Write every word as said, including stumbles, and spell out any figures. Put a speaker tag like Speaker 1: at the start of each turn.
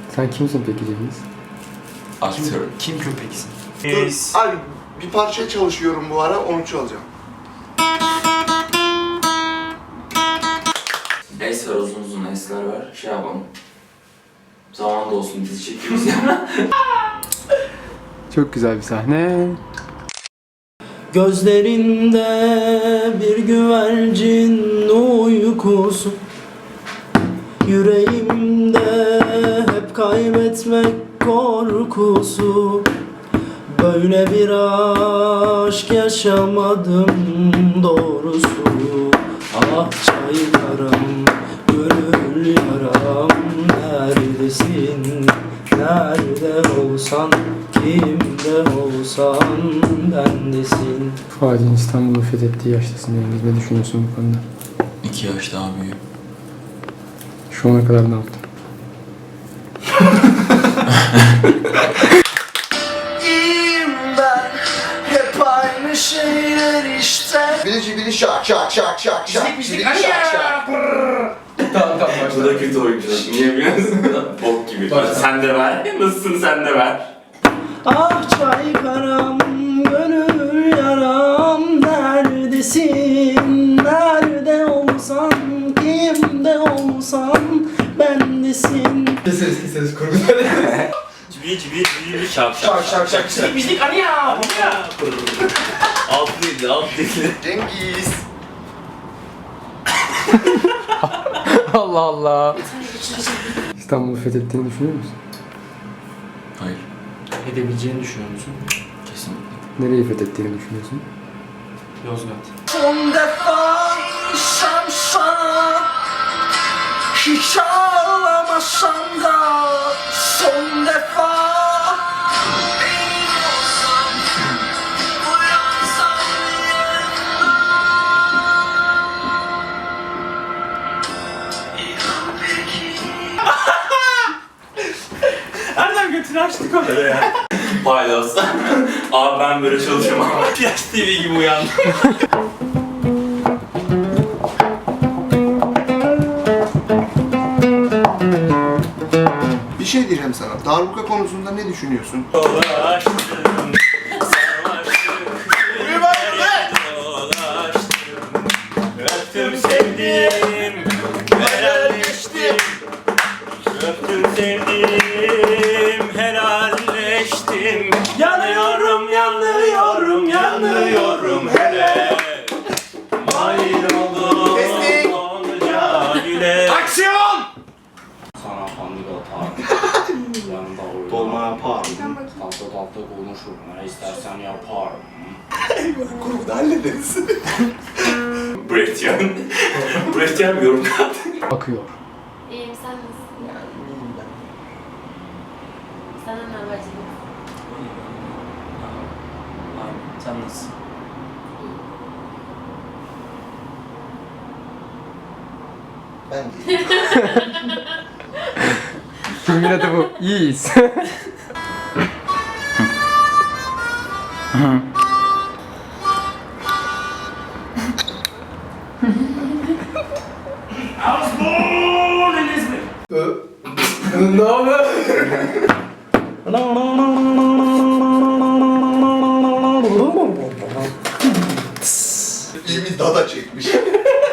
Speaker 1: Sen kimsin peki Cengiz?
Speaker 2: Aktör.
Speaker 3: Kim köpeksin?
Speaker 4: Dur, abi bir parça çalışıyorum bu ara, onu çalacağım.
Speaker 2: Es var, uzun uzun esler var. Şey yapalım. Zaman da olsun, dizi çekiyoruz ya.
Speaker 1: Çok güzel bir sahne.
Speaker 3: Gözlerinde bir güvercin uykusu, yüreğimde hep kaybetmek korkusu. Böyle bir aşk yaşamadım doğrusu. Ah çaylarım, gönül yaram, neredesin? Nerede olsan, kimde olsan bendesin.
Speaker 1: Fuad'in İstanbul'u fethettiği yaştasın Cengiz. Ne düşünüyorsun bu konuda?
Speaker 2: İki yaş daha büyük.
Speaker 1: Şu ana kadar ne yaptın?
Speaker 3: İyiyim ben, hep aynı şeyler işte.
Speaker 4: Bilici bili şak şak şak şak şak. Bilici şak şak.
Speaker 1: Tamam tamam
Speaker 2: Bu da kötü oyuncu. Niye biliyor musun? Bok gibi. Sen de ver. Nasılsın, sen de ver.
Speaker 3: Ah çay karam, gönül yaram, neredesin? Nerede olsan, kimde olsan bendesin.
Speaker 1: Keseriz keseriz kurguları.
Speaker 5: Cibi cibi cibi şak
Speaker 4: Şak şak şak şak.
Speaker 5: Bizlik hani ya. Alt dilli alt dilli.
Speaker 4: Cengiz.
Speaker 1: Allah Allah. İstanbul'u fethettiğini düşünüyor musun?
Speaker 2: Hayır.
Speaker 3: Edebileceğini düşünüyor musun?
Speaker 2: Kesinlikle.
Speaker 1: Nereyi fethettiğini düşünüyorsun?
Speaker 3: Yozgat. Son defa şan sana, hiç ağlamasan da son defa.
Speaker 5: Nereden götünü açtık orada ya?
Speaker 2: Paydos. Abi ben böyle çalışamam.
Speaker 5: Flash T V gibi uyandım.
Speaker 4: Bir şey diyeceğim sana. Darbuka konusunda ne düşünüyorsun?
Speaker 5: Dolaştım. Sarmaşık. Dolaştım. Öptüm sevdim. Helalleştim. Öptüm sevdim. Helalleştim. Yanıyorum, yanıyorum, yanıyorum hele. Mahir oldum.
Speaker 4: Kestik.
Speaker 5: Onca güle.
Speaker 4: Aksiyon!
Speaker 5: Sana pandik atar. Yanında oynar.
Speaker 4: Dolma yapar.
Speaker 5: Tatlı tatlı konuşurum. Ne istersen yaparım.
Speaker 4: Kurguda hallederiz.
Speaker 2: Brechtyan. Brechtyan bir yorum kaldı.
Speaker 1: Akıyor.
Speaker 6: İyiyim, sen nasılsın? Sana ne var canım?
Speaker 5: Aynen. Sen nasılsın?
Speaker 4: Ben de.
Speaker 1: Filmin adı bu. İyiyiz.
Speaker 5: I was born in Izmir.
Speaker 1: Ne haber?
Speaker 4: İyi bir dada çekmiş.